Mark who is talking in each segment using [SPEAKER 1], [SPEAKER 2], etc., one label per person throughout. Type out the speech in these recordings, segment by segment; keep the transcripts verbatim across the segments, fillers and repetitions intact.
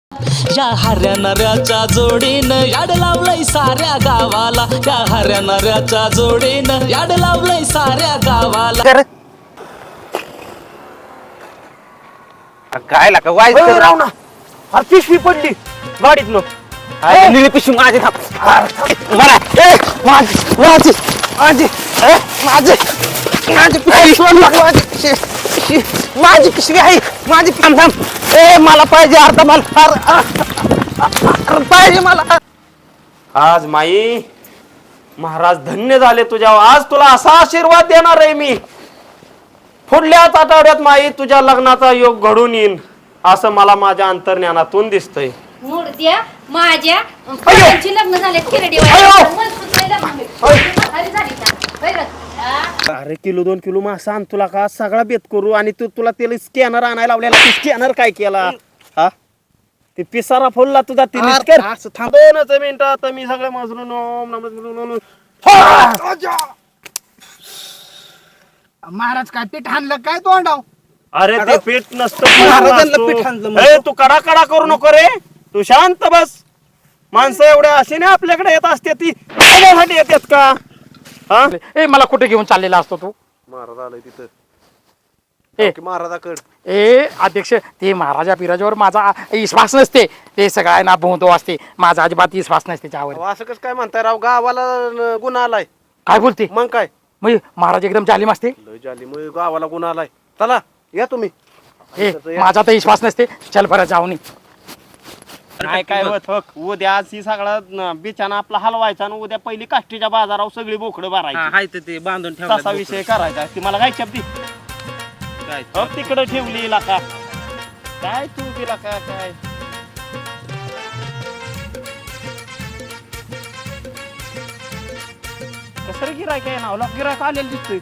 [SPEAKER 1] या हऱ्या नऱ्याच्या जोडीनं याड लावलंय साऱ्या गावाला. या हऱ्या नऱ्याच्या जोडीनं याड लावलंय साऱ्या गावाला.
[SPEAKER 2] काय लागा वाईट राव ना. अरे पिशवी पडली गाडीत नो. निळी पिशवी माझी थांब मला ए माझी माझी माझी ए माझी माझी पिशवी माझी पिशवी माझी पिशवी आहे माझी. थांब थांब ए मला पाहिजे अर्धा मला पाहिजे मला. आज माई महाराज धन्य झाले तुझ्यावर. आज तुला असा आशीर्वाद देणार आहे मी. पुढल्याच आठवड्यात माई तुझ्या लग्नाचा योग घडून येईन असं मला माझ्या अंतर्ज्ञानातून दिसतंय.
[SPEAKER 3] मूर्त्या माझ्या पोरांची लग्न झाले किरडी
[SPEAKER 2] अरे किलो दोन किलो मासा आण तुला का सगळा बेत करू आणि तू तुला त्याला स्कॅनर आणायला लावलेला. स्कॅनर काय केला हा ते पिसारा फोडला तुझा. दोनच मिनिट आता मी सगळं मजरून
[SPEAKER 4] महाराज काय पीठ आणलं काय तोंडाव.
[SPEAKER 2] अरे ते पीठ नसतं पीठ आणलं. तू कडा कडा करू नको रे. तू शांत बस. माणसं एवढ्या अशी नाही आपल्याकडे येत असते ती साठी येतात का. हा
[SPEAKER 5] ए मला कुठे घेऊन चाललेला असतो तू.
[SPEAKER 2] महाराज आलाय तिथं.
[SPEAKER 5] ए
[SPEAKER 2] महाराजाकड
[SPEAKER 5] ए अध्यक्ष ते महाराजा पिराजावर माझा विश्वास नसते. ते सगळ्यांना भोवतो असते. माझा अजिबात विश्वास नसते त्यावर.
[SPEAKER 2] असं कसं काय म्हणताय राव. गावाला गुन्हा आलाय.
[SPEAKER 5] काय बोलते
[SPEAKER 2] मग काय
[SPEAKER 5] म्हणजे महाराज एकदम जालिम असते.
[SPEAKER 2] लय झाली मग गावाला गुन्हा आलाय. चला या तुम्ही.
[SPEAKER 5] ए माझा तर विश्वास नसते. चल बरं जाऊ नये.
[SPEAKER 2] नाही काय होत हो. उद्या आज ही सगळा बिचाना आपला हलवायचा आणि उद्या पहिली काष्टीच्या बाजारावर सगळी बोकडं भरायची.
[SPEAKER 4] ते बांधून
[SPEAKER 2] तसा विषय करायचा. ती मला काय शब्दी तिकडे ठेवली लाका काय तू दिला का काय. कसं गिराय काय नावला गिरायक आलेलं दिसतोय.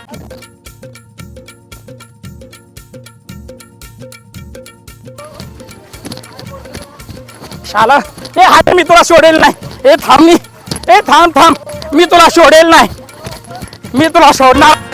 [SPEAKER 5] शाला ए हात मी तुला सोडेल नाही. ए थांब मी ए थांब थांब मी तुला सोडेल नाही. मी तुला सोडणार